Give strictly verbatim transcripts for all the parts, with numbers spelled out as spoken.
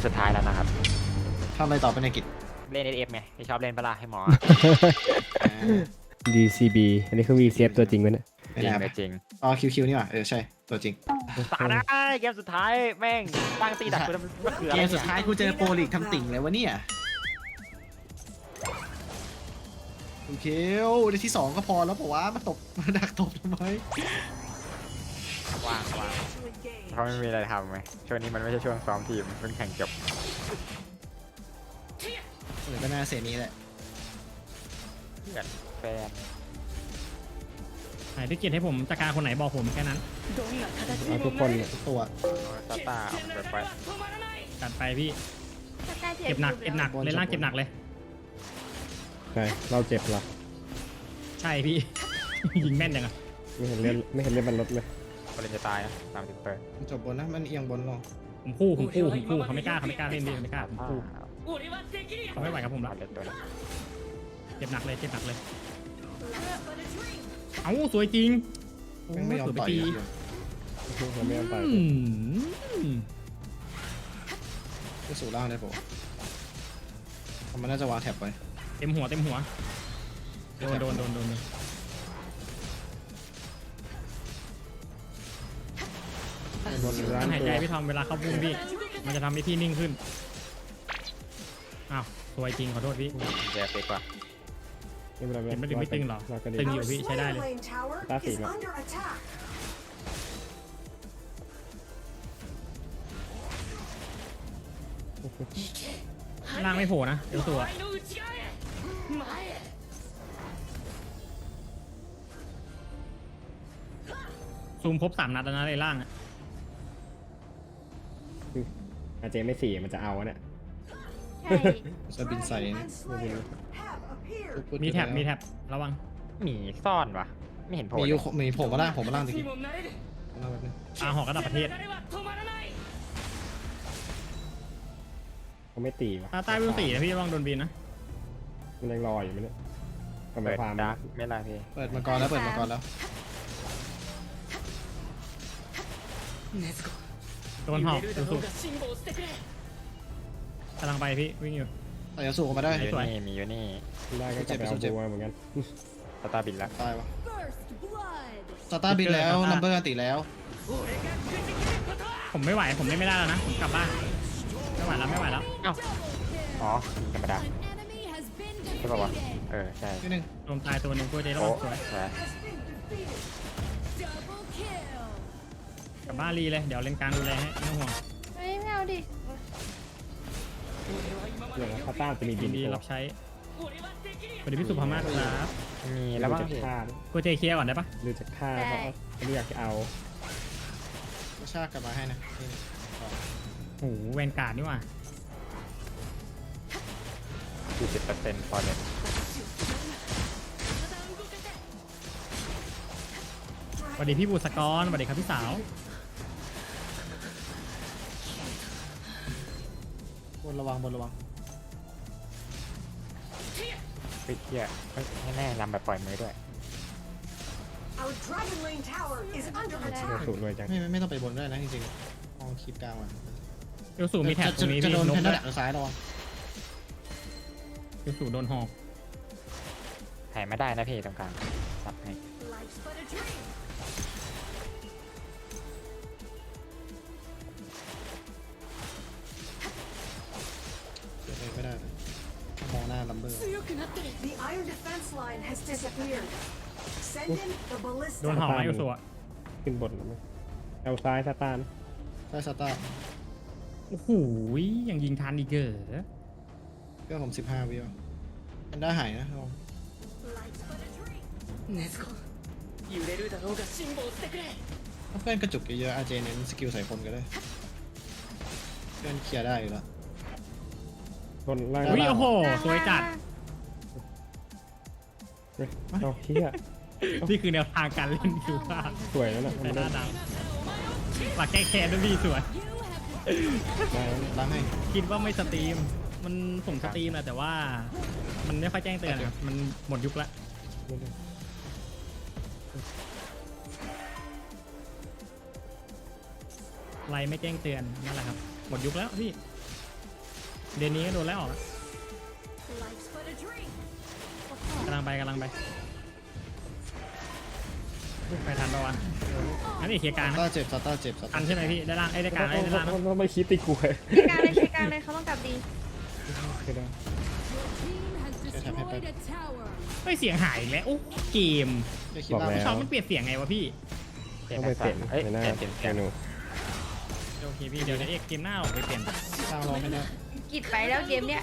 สุดท้ายแล้วนะครับทำอะไรต่อไปในกิจเล่นเอฟไงที่ชอบเล่นปะล่ะให้หมอดี ซี บี อันนี้คือ วี ซี เอฟ ตัวจริงไหมเนี่ยไม่จริงแน่เลยจริงอ๋อคิวคิวนี่หว่าเออใช่ตัวจริงตาได้เกมสุดท้ายแม่งตั้งตีดักกูทำมะเขือเกมสุดท้ายกูเจอโปรลีกทำติ่งเลยวะเนี่ยโอเคในที่สองก็พอแล้วบอกว่ามาตบมาดักตบทำไมว่างว่างเพราะไม่มีอะไรทำไหมช่วงนี้มันไม่ใช่ช่วงซ้อมทีมเพิ่งแข่งจบเออก็น่าเสียนี้แหละเพื่อนแฟนไหนที่เกียรติให้ผมจัดการคนไหนบอกผมแค่นั้นเอาทุกคนเนี่ยทุกตัวตาตาเอาไปไปจัดไปพี่เก็บหนักเก็บหนักเล่นล่างเก็บหนักเลยใช่เราเจ็บเหรอใช่พี่ ยิงแม่นจังอะไม่เห็นเลือดไม่เห็นเลือดมันลดเลยบอลจะตายนะสามสิบเปอร์มันจบบนนะมันเอียงบนลงผมคู่ผมคู่ผมคู่เขาไม่กล้าเขาไม่กล้าเล่นดิไม่กล้าผมอ่าคู่เขาไม่ไหวกับผมบละอลเล่นตัวนี้เก็บหนักเลยเก็บหนักเลยเอ้าสวยจริงโอ้แม่งไม่ยอมสวยไปต่อยทีอ่ะมันไม่ยอมตายอืมก็สู่ล่างได้ปะวะมันน่าจะวางแท็บไว้เต็มหัวเต็มหัวโดนโดนโดนโดนบนร้านหายตัใจวพี่ทอมเวลาเข้าพุ่มพี่ มันจะทำให้พี่นิ่งขึ้นอ้าวสวยจริงขอโทษพี่เดี๋ยวเป๊กกว่าไม่เป็นไรเห็นไม่ดึงไม่ตึงหรอเราก็ดีตึงอยู่พี่ใช้ได้เลยตาสีมาล่างไม่โผล่นะเดี๋ยวตัวซูมครบสามนัดแล้วนะในล่างอะอาเจไม่สี่มันจะเอาอะเนี่ยใช่จะบินใส่นะมีแท็บมีแท็บระวังหมีซ่อนวะไม่เห็นโผล่มีเลอยู่ยมีผมมาล่างผมมาล่างตะกี้ผมล่างแบบนึงอาหอกระดับประเทศเขาไม่ตีวะตาใต้วิวสี่นะพี่ระวังโดนบีนนะมันยังรออยู่ไหมเนี่ยทำไมเปิดความดักไม่ไรพี่เปิดมังกรแล้วเปิดมังกรแล้วโดนหอกสุดกำลังไปพี่วิ่งอยู่แต่ยาสูบออกมาได้มีอสวยยู่นี่มีอยู่นี่ได้ก็กลับไปเอาบัวเหมือนกันตาตาบินแล้วตายวะสตาร์บินแล้วลัมเบอร์ติแล้วผมไม่ไหวผมเล่นไม่ได้แล้วนะผมกลับบ้านไม่ไหวแล้วไม่ไหวแล้วอ้าวอ๋อธรรมดาใช่ป่าวะเออใช่นิดนึงลมตายตัวหนึ่งตัวเจระวัโอ้งสวยใช่กลับบ้านรีเลยเดี๋ยวเล่นกลางดูแลให้ไม่ต้องห่วงเฮ้ยไม่เอาดิเดี๋ยวนะพาต้าจะมีบิยินนดีตัวรับใช้สวัสดีพี่สุภามาศครับมีแล้วบ้างจะพี่ฆ่าตัวเจเคลียร์ก่อนได้ปะหรือจะฆ่าเพราะไม่อยากจะเอาก็ชากกลับมาให้นะนี่นี่โอ้โหแวนการ์ดนี่หว่าสี่สิบเปอร์เซ็นต์พอเลยสวัสดีพี่บุษกรสวัสดีครับพี่สาวบนระวังบนระวังเฮ้ยเฮียเฮ้ยแน่ๆลำแบบปล่อยมือด้วย Our Dragon Lane Tower is under เดี๋ยว attack. สูตรรวยจังไม่ไม่ไม่ต้องไปบนได้นะจริงๆมองคลิปกลางมันเอลสูมีแท็บตรงนี้จะพี่โดนนแพกนด้ด้าวยดักทางซ้ายระวังเอลสูโดนหอกถ่ายไม่ได้นะพี่ตรงกลางตัดให้ Life's but a dream. เดี๋ยวไม่ได้เลยมองหน้าลัมเบอร์ The iron defense line has disappeared. Send in the โดน ballista. หอกไหมเอลสูอะขึ้นบนแล้วมั้ยเอาซ้ายซาตานใช่สตาร์โอ้โหยังยิงทันอีกเหรอเพื่อนผมสิบห้าวิวแพนด้าหายนะระวัง Life's but a dream. ถ้าเพื่อนกระจุกเยอะๆอาเจเน้นสกิลใส่คนก็ได้เพื่อนเคลียร์ได้อยู่แล้วบนล่างอุ้ยโอ้โหสวยจัดเฮ้ยเอาเฮียนี่คือแนวทางการเล่นคิวพลาดสวยแล้วนะแต่หน้าดำหลักแก้แค้นด้วยพี่สวยได้แล้วล้างให้คิดว่าไม่สตรีม มันส่งสตรีมแหละแต่ว่า มันไม่ค่อยแจ้งเตือนครับมันหมดยุคละไลน์ไม่แจ้งเตือนนั่นแหละครับ หมดยุคแล้วพี่เดือนนี้ก็โดนไล่ออกแล้ว Life's but a dream. กำลังไปกำลังไปไปทันปะวะอันนี้เคลียร์กลางต้านะเจ็บซาต้าเจ็บซาทัต้านใช่ไหมพี่ได้ล่างไอ้ยได้กลางไอ้ยได้ล่างนะต้องไปคิดติกูเลยใช้การเลยใช้การเลยเขาต้องกลับดีคือได้เฮ้ยเสียงหายอีกแล้วโอ้เกมจะคิดว่าพี่ชอบมันเปลี่ยนเสียงไงวะพี่เปลี่ยนต้องไปเปลี่ยนเอ้ยในหน้าเปลี่ยนเปลี่ยนเมนูโอเคพี่เดี๋ยวเดี๋ยวเอกเกมหน้าออกไปเปลี่ยนสร้างรอไม่ได้กิดไปแล้วเกมเนี้ย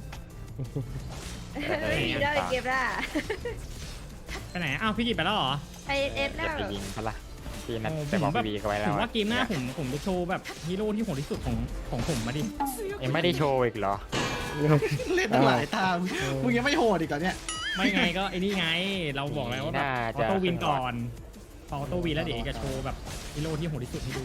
เปลี่ยนเฮ้ยได้เกมละไปไหนอ้าวพี่กิจไปแล้วเหรอไอเอสอแล้ย่าว ไปยิงเขาละพี่นัดโอ้ไปบอกผมแบบพี่บีเขาไว้แล้ผวมอะว่าเกมหน้าผมผมจะโชว์แบบฮีโร่ที่โหดที่สุดของของผมมาดิเอ็งไม่ได้โชว์อีกเหรอเล่นตั้งหลายทางมึงยังไม่โหดอีกเหรอเนี่ยไม่ไงก็ไอ้นี่ไง เราบอกแล้วว่าแบบน่าออจะโต้วินก่อนพอออโต้วินแล้วเดี๋ยวเอกจะโชว์แบบฮีโร่ที่โหดที่สุดให้ดู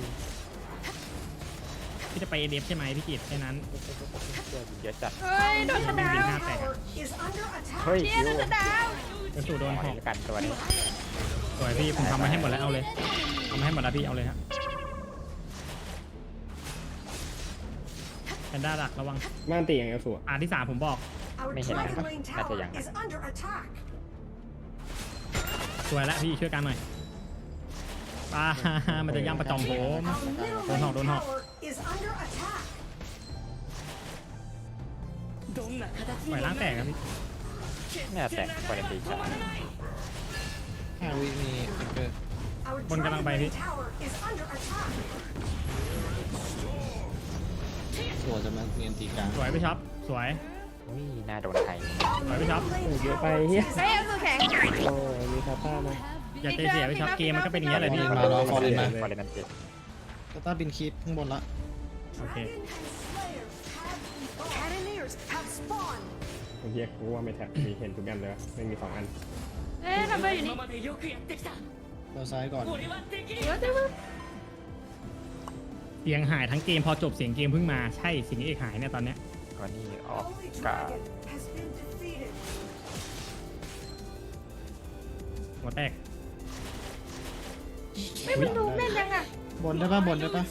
พี่จะไปเอเดฟใช่ไหมพี่กิจแค่นั้นเยอะจัดเฮ้ยโดนชะดาวห้าแตก Tower is under attack. เฮ้ยเนี่ยโดนชะดาวกระสุนโดนขหออกให้กันตัวนี้สวยพี่ผมทำมาให้หมดแล้วเอาเลยทำมาให้หมดแล้วพี่เอาเลยครับแพนด้าดักระวังม่านตีอย่างเงี้ยสวยอ่าที่สามผมบอก Our May hit Dragon them. Lane That's a Tower young is under attack. สวยแล้วพี่ช่วยกันหน่อยป้า มันจะย่ำประจอมผม Our middle Don't lane hop, don't hop. tower is under attack. ปล่อยล้างแตกครับพี่เนี่ยแต่ควอลิตี้จัดห้าวิมีฟิกเกอร์ Our Bon ka lang Dragon ba, Lane Ivy? Tower is under attack. สวยจะมาเนียนตีกลางสวยพี่ช็อปสวยอุ้ยน่าโดนไทยสวยพี่ช็อปโอ้เยอะไปเฮียเฮ้ยเอาตัวแข็งโอ้มีซาต้านะอย่าใจเสียพี่ช็อปเกมมันก็เป็นอย่างนี้ยแหละพี่มารอฟอร์เรนมาฟอร์เรนมันเจ็ดซาต้าบินคีปข้างบนละโอเค Dragon and Slayer have Cannoneers have spawned. เฮียกูว่าไม่แท็บมีเห็นทุกอันเลยวะไม่มีสองอันเอ๊ะทำไมอยู่นี่เราซ้ายก่อนเดี๋ยวเดี๋ยวเสียงหายทั้งเกมพอจบเสียงเกมเพิ่งมาใช่สิ่งที่เอกหายเนี่ยตอนเนี้ยก็นี่ออก Holy กา Dragon has been defeated. หัวแตกไม่มันดูแม่นยังอ่ะบนได้ปะบนได้ปะ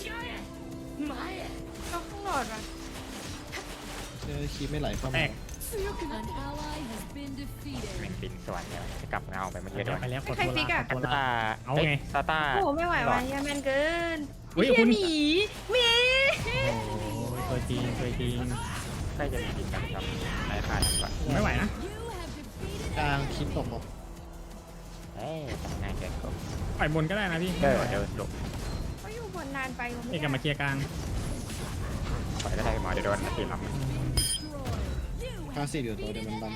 เอาข้างหลอดว่ะเจอคีปไม่ไหลเข้าแตมากแม่งบินสวนเนี่ยจะกลับเงาไปเมื่อกี้โดนไปแล้วขอใครโทษฟิกละอ่ะขอโทษซาละต้าเอาไงซาต้าโอ้โหไม่ไหวว่ะเหี้ยแม่นเกินเฮ้ยเหี้คุณหมีหมีโอ้ยตัวจริงตัวจริงใกล้จะมีบินกันครับนายพลาดดีกว่าผมไม่ไหวนะกลางคีปตกบอกเอ้ยทำงานเกินก็ปล่อยบนก็ได้นะพี่เดี๋ยวเดี๋ยวหลบเขาอยู่บนนานไปผมเอไม่กกลับมาเคลียร์กลางปล่อยก็ได้หมอเดี๋ยวโดนตีหลังคลาสสิกอยู่ตัวเดียวมันบัง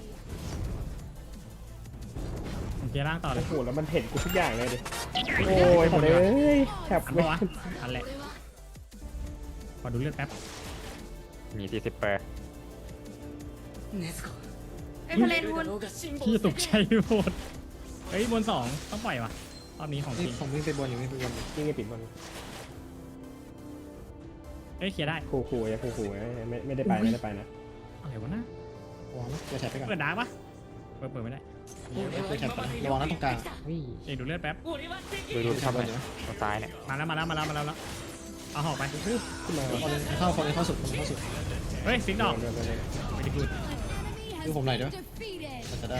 ผมเคลียร์ล่างต่อเลโอ้ยโหแล้วมันเห็นกูทุกอย่างเลยดิโอ้ยหมดเลยแคปทันไม่ปะวะทันแหละขอดูเลือดแป๊บมีสี่สิบเปอร์ไอ้ทะเลทุนพี่ตกใจโหดเฮ้ยบนสองต้องปล่อยวะรอบนี้ของจนี่ริงผมวิ่งไปบนอยู่วิ่งไปบนอยู่ยิ่งไอ้ปิดบนเอ้ยเคลียร์ได้คู่คู่อย่าคู่คู่ไม่ไม่ได้ไปไม่ได้ไปนะอะไรวะนะระวังนะเจอแท็บไปก่อนเปิดดาร์กปะเปิดเปิดไม่ได้เจอแท็บก่อนระวังนะตรงกลางวิ่งเอกดูเลือดแป๊บดูดูทำอะไรตรงซ้ายเนี่ยมาแล้วมาแล้วมาแล้วมาแล้วแล้วเอาหอกไปขึ้นมาคนเข้าคนเข้าสุดคนเข้าสุดเฮ้ยฟิกดอกเดินเดินเดินไม่ได้พูดดูผมหน่อยด้วยมันจะได้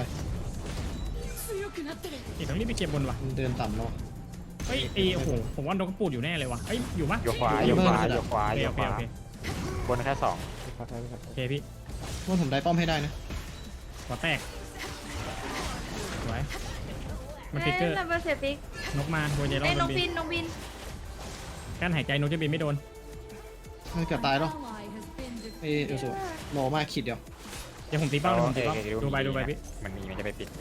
เอกต้องรีบไปเก็บบนว่ะมันเดินต่ำแล้วเฮ้ยเอโอ้โหผมว่าโดนกระปูดอยู่แน่เลยวะเฮ้ยอยู่ปะโยกขวาโยกขวาโยกขวาโอเคโยโอก เคขวาโอเคบนแค่สองพักได้ไหมครับโอเคพี่ว่าผมได้ป้อมให้ได้นะหัวแตกสวยมันฟิกเกอร์เอ้ยนัมเบอร์เซฟิกนกมาโดนเจโร่ไอ้ยโดน้องนบิบินนน้องบินกั้นหายใจนกจะบินไม่โดนมันเกือบตายแล้วเอเอลสูโลมากขีดเดียวเดี๋ยวผมตีเป้าเดี๋ยวผมตีเป้าโอเคดูไปดูไปพี่มันมีมันจะไปปิด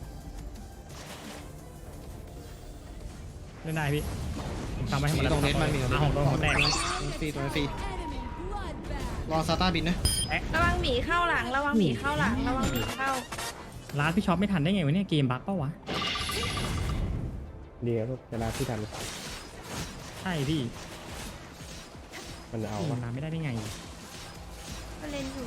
เล่นได้พี่ผมทำไว้ให้หมดแล้วตรงเน็ตมันมีอ่ะของโดนหัวแตกฟรีตัวฟรีรอซาต้าบินนะระวังหมีเข้าหลัง ระวังหมีเข้าหลัง ระวังหมีเข้าร้านพี่ช็อปไม่ทันได้ไงวะเนี่ยเกมบั๊กเปล่าวะดีครับลูกเวลาที่ทันใช่พี่มันเอาเอาวะน้ำไม่ได้ได้ไงก็เล่นอยู่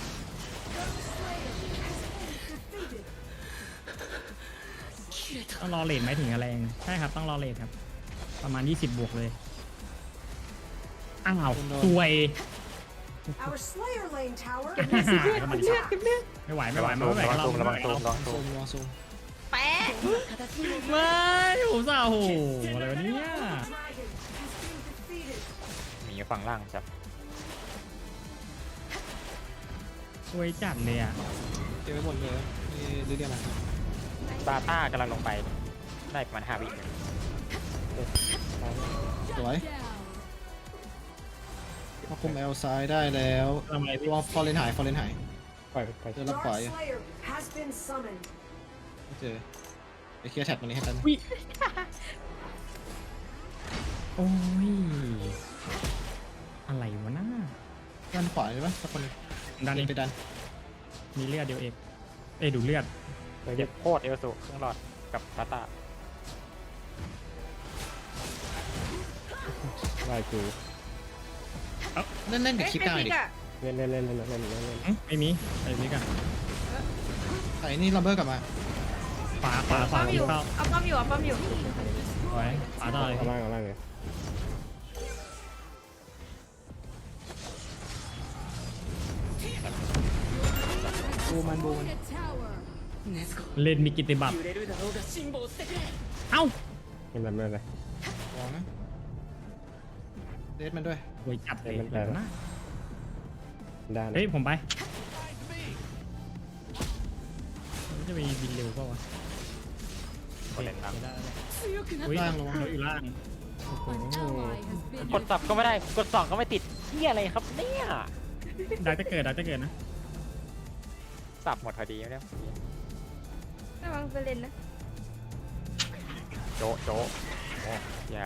ต้องรอเลทไหมถึงจะแรงใช่ครับต้องรอเลทครับ ประมาณยี่สิบบวกเลยอ้าวสวย Our Slayer Lane tower เก็บเลือดเก็บเลือดเก็บเลือดไม่ไหวไม่ไหวไม่ไหวระวังเราซูมระวังซูมระวังซูซูมมรอซูมแปะไม่โอ้โหโอ้โหอะไรวะเนี่ย dragon has been defeated. หมีอยู่ฝั่งล่างจับสวยจัดเลยอ่ะเก็บไว้หมดเลยนี่หรือเรียกอะไรซาต้ากำลังลงไปได้ประมาณห้าวิสวยมาคุมเอลซ้ายได้แล้วทำอะไรพี่รอฟอร์เรนหายฟอร์เรนหายปล่อยไปเจอรับขวา Dark อยู่ Slayer has been summoned. ไม่เจอไปเคลียร์แท็บตรงนี้ให้กันวิโอ้ยอะไรวะน้าด้านขวาใช่ปะสักคนหนึงดันเองไปดันมีเลือดเดียวเองเอ้ยดูเลือดเจ็บโคตรเอลสูเครื่องหลอดกับซาต้าไล่กูเล่นเล่นกับเอ้ยคลิปใครได้พิดิกอะเล่นเล่นเล่นเล่นเล่นเล่นเล่นอื้อไม่มีไอ้นี่กันไอ้นี่ลัมเบอร์กลับมาขวาขวาขป้วาอมอยู่เข้าเอาป้อมอยู่เอาป้อมอยู่สวยขวาต่อเลยเอาล่างเอาล่างเลยบูมันบูมันเล่นมีกิตติบัตรเอ้าเห็นแบบนั้นเลยลองนะเดทมันด้วยโวยจัดเลยเล่นมันแปลกนะด้านเฮ้ยผมไปมันจะมีบินเร็วเปล่าวะคนเล่นล่างได้ได้อุ้ยล่างระวังเราอยู่ล่างกดสับก็ไม่ได้กดสองก็ไม่ติดเฮียอะไรครับเนี่ยได้จะเกิดได้จะเกิดนะสับหมดพอดีแล้วระวังไปเล่นนะโจโจโอ้อย่า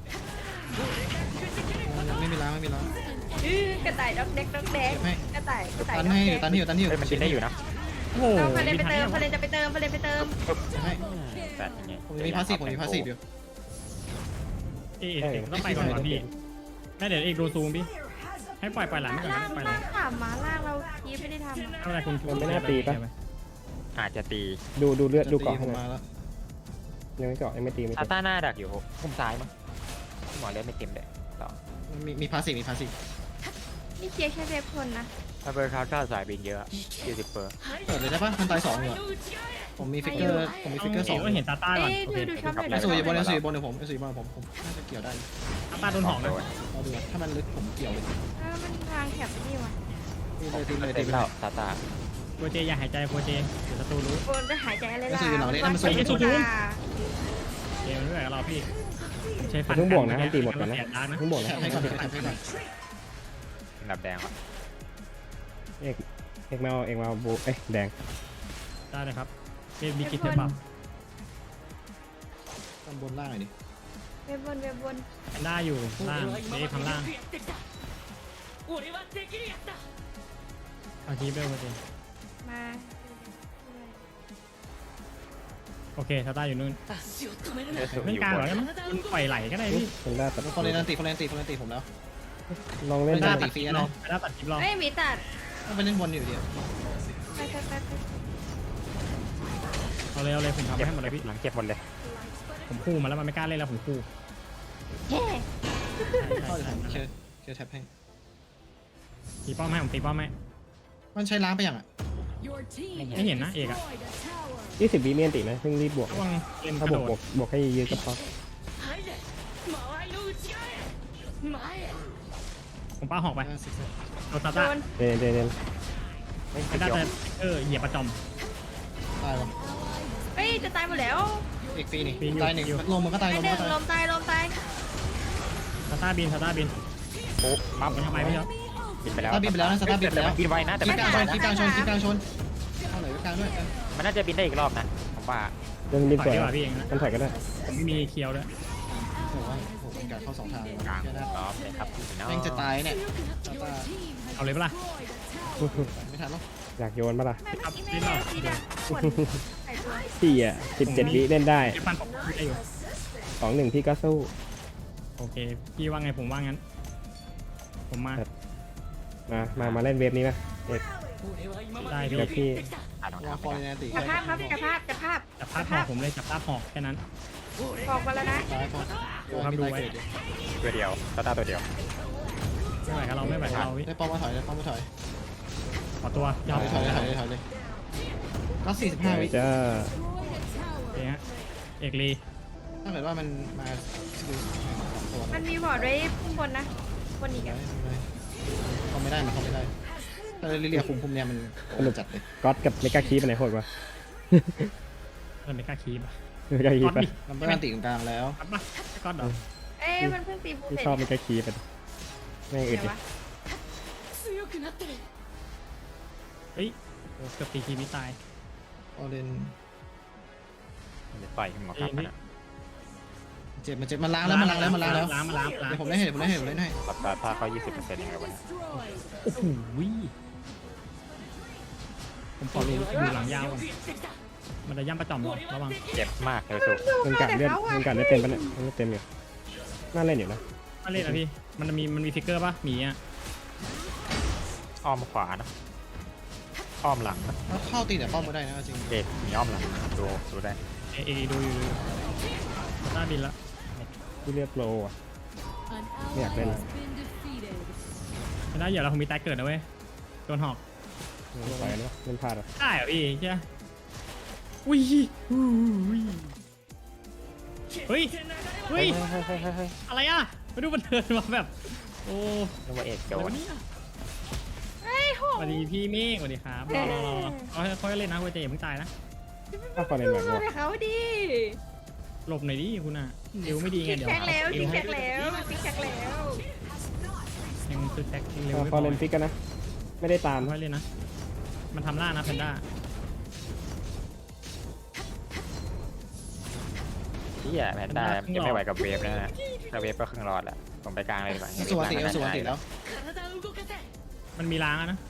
ไม่มีล้างไม่มีล้างอื้อกระต่ายดอกเด็กดอกแดกให้กระต่ายกระต่ายตันดอกให้แดอยู่กตันให้อยู่ตันให้อยู่เฮ้ยมันกินได้อยู่นะโอ้โหเอาพาเลนไปทัเติมยังพาเลนจะไปเติมพาเลนไปเติมให้แต่ยังไงผมมีพาสซีฟผมมีพาสซีฟอยู่เอ๊ะเอ๊ะต้องไปก่อนวะพี่แม่เดี๋ยวเอกดูซูมพี่ Slayer has ให้ปล่อยปล่อยหลังไม่ก่อนล่างให้ปล่อยหลัล่าง งถามมาล่างเราคีบไม่ได้ทำอะอะไรคุณมันไม่น่าตีปะอาจจะตีดูดูเลือดดูจะเกาะตีผให้มหน่อยมาแล้วยังไม่เกาะยังไม่ตีไม่ซาตีต้าหน้าดักอยู่พุ่มซ้ายมั้งหมอเล่นไม่เต็มเลยต่อมีมีพาสซีฟมีพาสซีฟนี่เคลียร์แค่เว็บคนนะถ้าเบอร์คาร์ก้าสายบินเยอะสี่สิบเปอร์เปิดเลยได้ปะมันตายสองอยู่อะผมมีฟิกเกอร์ผมมีฟิกเกอร์สองก็เห็นตาต้าก่อนเอ้ยโอดูเคดูช็อปหน่อยไอ้ดูสุยช็อยู่บนอปไอ้สุยอยู่บนเดี๋ยวผมไอ้สุยอยู่บนผมผมน่าจะเกี่ยวได้ตาต้าโดนหอกนะเราดูอะถ้ามันลึกผมเกี่ยวเลยเออมันทางแคบนี่ว่ะตีเลยตีเลยเต็ตีมไปเลแล้วยซาต้าโคเจอย่าหายใจโคเจเดี๋ยวศัตรูรู้โอนจะหายใจอะไรล่ะไม่สู้อยู่หลังเลยนะมันสู้วางไม่สู้ใจเกมด้วยกับเราพี่ผมใช้ฟันเพิ่งบวกนะให้ตีหมดก่อนนะแสบดาร์กนะเพิ่งบวกนะแท็บให้ก่อนแท็บให้ก่อนอันดับแดงอ่ะเอกเอกมาเอาเอกมาเอาบูเอ้ยแดงได้เลยครับเป็นบิกิตเทปับตอนบนล่างหน่อยดิเว็บบนเว็บบนแพนด้าอยู่ล่างเอ๊ะข้างล่างเอาทีเบลโคเจมาโอเคตาต้าอยู่นู่นเลือดสูงเล่อน ยู่กลางบเหรอน มันปล่อยไหลก็ได้พี่เป็นด้าตัดฟอร์เรนตีฟอร์เรนตีฟอร์เรนตีผมแล้วลองเล่นไม่แพนได้ด้าได้ตัดคลิปรอแพนด้าตัดคลิปรอเอ้ยหมีตัดต้องไปเล่นบนอยู่ดีไปไปไปไปเอาเลยเอาเลยผมทำเจ็บให้หมดเลยพี่หลังเจ็บหมดเลยผมคู่มาแล้วมันไม่กล้าเล่นแล้วผมคู่เฮ้เข้าจะผมเคลียร์เคลียร์แท็บให้ตีป้อมให้ผมตีป้อมให้มันใช้ล้างไปยังอ่ะไม่เห็นนะเอกอะยี่สิบวิเมียนตินะเพิ่งรีบบวกระวังเล่นกถ้าระบโดวกดบวกบวกให้เยอะก็พอผมป้าหอกไปห้าสิบเซนโดนตาโดต้านเดนเดนเดนไม่แพตินดด้ายอจะเออเหยียบประจอมตายวะเฮ้ยจะตายหมดแล้วอีกปีนี่ปีอยู่ตายหนึ่งอยู่ลมมันก็ตายไปลมหมันนึ่งก็ตายลมตายลมตายตาต้าบินตาต้าบินปุ๊บปั๊บมันทำไมไม่เนาะบินไปแล้วตาบินไปแล้วนะสตาร์บินไปแล้วบินไวนะแต่คลิไม่ปกกลาลาง งชนคลิปกลางชนคลิปกลางชนเข้าไหนกลางด้วยมันน่าจะบินได้อีกรอบนะผมว่าเรื่องรีบถอยสวยดีกว่าพี่เองนะมันถอยก็ได้ผมไม่มีเคียวด้วยโอ้โหโอ้โหเป็นการเข้าสองทางเลยกลางแค่นั้นรอบเลยครับพี่น้องแม่งจะตายเนี่ยตาตาเอาเลยปะล่ะไม่ทันหรอกอยากโยนปะล่ะแม่เมื่อกี้แม่แม่ซีดังขวดใส่ตัวพี่อ่ะสิบเจ็ดวิเล่นได้เดี๋ยวฟันผมได้อยู่สองหนึ่งพี่ก็สู้โอเคพี่ว่าไงผมว่างั้น ผมมามามามาเล่นเวฟนี้นะเอกได้พี่เดี๋ยวพี่อ่านรองวาเท้างฟอร์เรนตีจับภาพครับจับภาพจับภาพจับภาพหอกผมเลยจับภาพหอกแค่นั้นบอกมาแล้วนะตายพอครับดูไว้เกิดอยู่ตัวเดียวซาต้าตัวเดียวผไม่ไหวกับเราไม่ไหวกับเราพี่ได้ป้อมมาถอยได้ป้อมมาถอยขอตัวยอมถอยเลยถอยเลยถอยเลยก็สี่สิบห้าวิจ้าเองฮะเอกลีถ้าเกิดว่ามันมาสกิลสองตัวมันมีบอร์ดไว้ข้างบนนะบนอีกอะเขาไม่ได้มันเขาไม่ได้แต่ลิเลียคุมคุมเนี่ยมันโอ้จัดเลยก๊อตกับเมกาคีปอันไหนโหดกว่ามันไม่กล้าคีบอ่ะเมกาคีก๊ปอตปะดิลำเบอร์อันติกลางแล้วก๊อตปะก๊อตเหรอเอ้ยมันเพิ่งตีฟูที่เสร็จชอบเมกาคีปอะแม่งอึดดิวะเฮ้ยเกือบตีคีไม่ตายออเรนมันจะต่อยขึ้นมาครับมันอะเจ็บมันเจ็บมันล้างแล้วมันล้างแล้วมันล้างแล้วล้างมาล้างล้างเดี๋ยวผมได้ให้เดี๋ยวผมได้ให้เดี๋ยวผมได้ให้ตัดตาถ้าเขายี่สิบเปอร์เซ็นต์ยังไงวะเนี่ยโอ้โหผมขอดูดูหลังยาวก่อนมันจะย่ำประจอมหรอระวังเจ็บมากเลยสุดมันกัดเลือดมันกัดได้เต็มปะเนี่ยมันไม่เต็มอยู่น่าเล่นอยู่นะมาเล่นนะพี่มันมีมันมีฟิกเกอร์ปะหมีอ่ะอ้อมขวานะอ้อมหลังนะแล้วเข้าตีแต่ป้อมไม่ได้นะจริงเอ็ดมีอ้อมหลังดูดูได้เอเอดูอยู่ดูหน้าบินละที่เลือดโปรอ่ะไม่อยากเล่นเลยไม่ได้อย่าเราคงมีตายเกิดนะเว้ยโดนหอกไม่ไหวแล้วเล่นพลาดอ่ะได้เหรอพี่ใช่ไหมอุ้ยอุ้ยเฮ้ยเฮ้ยอะไรอ่ะมาดูมันเดินมาแบบโอ้นึกว่าเอ็ดโดโดนนเนี่ยเฮ้ยโหสวัสดีพี่เมฆสวัสดีครับรอรอรอเขาเขาเล่นนะเว้ยเจอย่าเพิ่งตายนะถ้าฟอร์เรนแบบดูว่าเขาดิหลบหน่อยดิคุณอ่ะเร็วไม่ดีไงพิกเดี๋ยวแท็กแล้วเร็พิวกให้แท็กแล้วพิกแท็กแล้วยังตึ๊กแท็กเร็วถ้าไม่ฟพออร์เรนฟิกกันนะ ไม่ได้ตามค่อยเล่นนะมันทำล่านะแพนด้าที่อ่ะแพนด้ายังไม่ไหวกับเวฟนะถ้าเวฟก็ครึ่งรอดแหละผมไปกลางเลยดีกว่าสวัสดีสวัสดีแล้วมันมีล้างอะนะ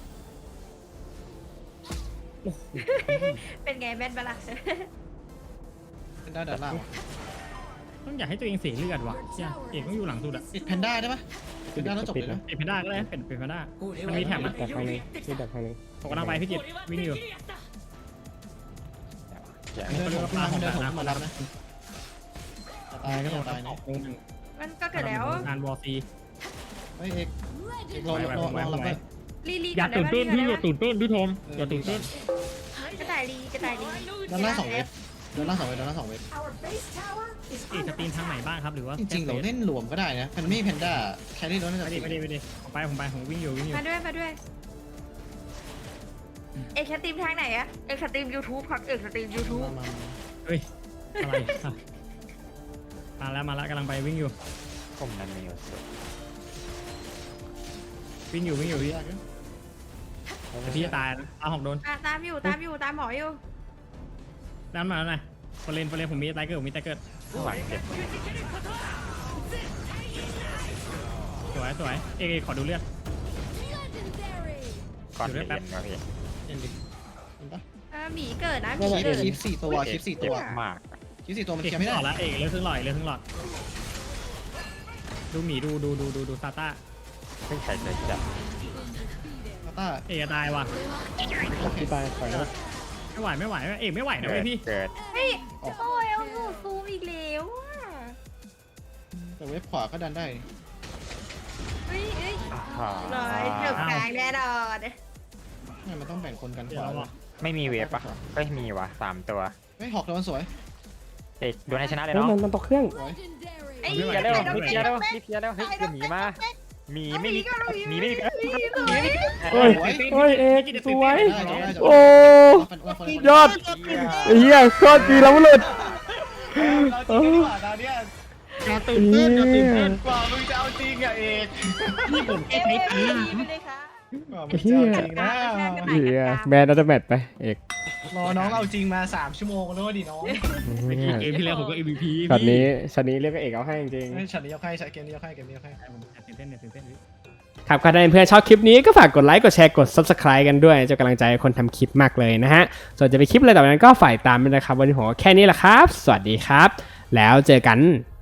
เป็นไงแบนบลักเป็นด้านด้านล่างต้องอยากให้ตัวเองเสียเลือดว่ะเชี่ยเอกต้องอยู่หลังสุดอะปิดแพนด้าได้ปะแพนด้าแล้วจบเลยนะเป็นแพนด้าก็ได้เป็นเป็นแพนด้ามันมีแถมนะดักทางนึงที่ดักทางนึงผมกำลังไปพี่จิตวิ่งอยู่อย่าเดินผมขึ้นมาเดินผมขึ้นมารับนะตายก็ต้องตายนะมันก็เกิดแล้วงานวอร์ซีเฮ้ยเอกเอกรอรอรอรอรับไปลีลีอย่าก่ตื่นเต้นพี่ได้อย่าตื่นเต้นพี่ทอมอย่าตื่นเต้นกระต่ายลีกระต่ายลีด้านล่างสองเวทด้านล่างสองเวทด้านล่างสองเวท Our base tower is เอกจะตีนทางไหนบ้างครับหรือว่าจริงๆเราเล่นรวมก็ได้นะมันไม่แพนด้าแครี่เราน่าจะไม่ดีไม่ดีไม่ดีผมไปผมไปผมวิ่งอยู่วิ่งอยู่มาด้วยมาด้วยเอกสตรีมทางไหนอะเอกสตรีมยูทูบครับเอกสตรีมยูทูบมาเฮ้ยอะไรอะมาแล้วมาแล้วกำลังไปวิ่งอยู่ผมนั่นมีอยู่สุดวิ่งอยู่วิ่งอยู่พี่ยากอยู่แต่พี่จะตายนะเอาหอกโดนอ่ะตามอยู่ตามอยู่ตามหมออยู่ด้านมาแล้วไงฟอเลนฟอเลนผมมีตายเกิดผมมีตายเกิดข้างหลังเจ็บสวยสวยเอกเอกขอดูเลือดก่อนเย็นวะพี่เห็นดิเห็นปะเออหมีเกิดนะหคมีลิปเกิดคลิปสี่ตัวคลิปสี่ตัวเจ็บมากคลิปสี่ตัวมันเอกแค่ไม่ไม่หลได้อดละเอกเลือดครึ่งหลอดเลือดครึ่งหลอดดูหมีดูดูดูดูดูซาต้าเพิ่งใช้เลยจับต้าเอกจะตายว่ะที่ตายปล่อยแล้วไม่ไหวไม่ไหวเอกไม่ไหวนะเว้ยพี่เกิดเฮ้ยโอ้ยเอาหนูซูมอีกแล้วอะแต่เว็บขวาก็ดันได้เฮ้ยเฮ้ยอ่าร้อยจบกลางแน่นอนไม่มันต้องแบ่งคนกันขเดี๋ยววาเราอ่ะไม่มีเวฟปะก็มีวะสามตัวเฮ้ยหอกโดนสวยเอกโดนให้ชนะเลยเฮ้ยเนาะมันมันตกเครื่องสวยไอ้รีเหี้บเคลียร์เร็วน้องรีบเคลียร์เร็วรีบเคลียร์เร็วเฮ้ยจะหนีมาหมีไม่มีหมีไม่มีหมีไม่มีเฮ้ยเฮ้ยเอกสวยได้ได้ได้โอ้ ยอด ไอ้เหี้ยโคตรดีแล้วหลุดเอออย่าตื่นเต้นอย่าตื่นเต้นกว่ามึงจะเอาจริงอะเอกนี่ผมเอ้แค่ยใช้เอ้ตัยงค์ไปนะเลยค่ะเฮียจริงนะเหี้ยแมนอัลเตอร์แมทไปเอกรอน้องเอาจริงมาสามชั่วโมงแล้วดิน้องเมื่อกี้เกมที่แล้วผมก็ เอ็ม วี พีช็อตนี้ช็อตนี้เรียกว่าเอกเอาให้จริงเฮ้ยฉันนี้ยกให้เกมนี้ยกให้เกมนี้ยกให้ผมตื่นเต้นเนี่ยตื่นเต้นๆครับใครเพื่อนชอบคลิปนี้ก็ฝากกดไลค์กดแชร์กด ซับสไครบ์ กันด้วยจะกำลังใจคนทำคลิปมากเลยนะฮะส่วนจะไปคลิปอะไรต่อไปนั้นก็ฝ่ายตามด้วยนะครับวันนี้ผมก็แค่นี้แหละครับ สวัสดีครับ แล้วเจอกัน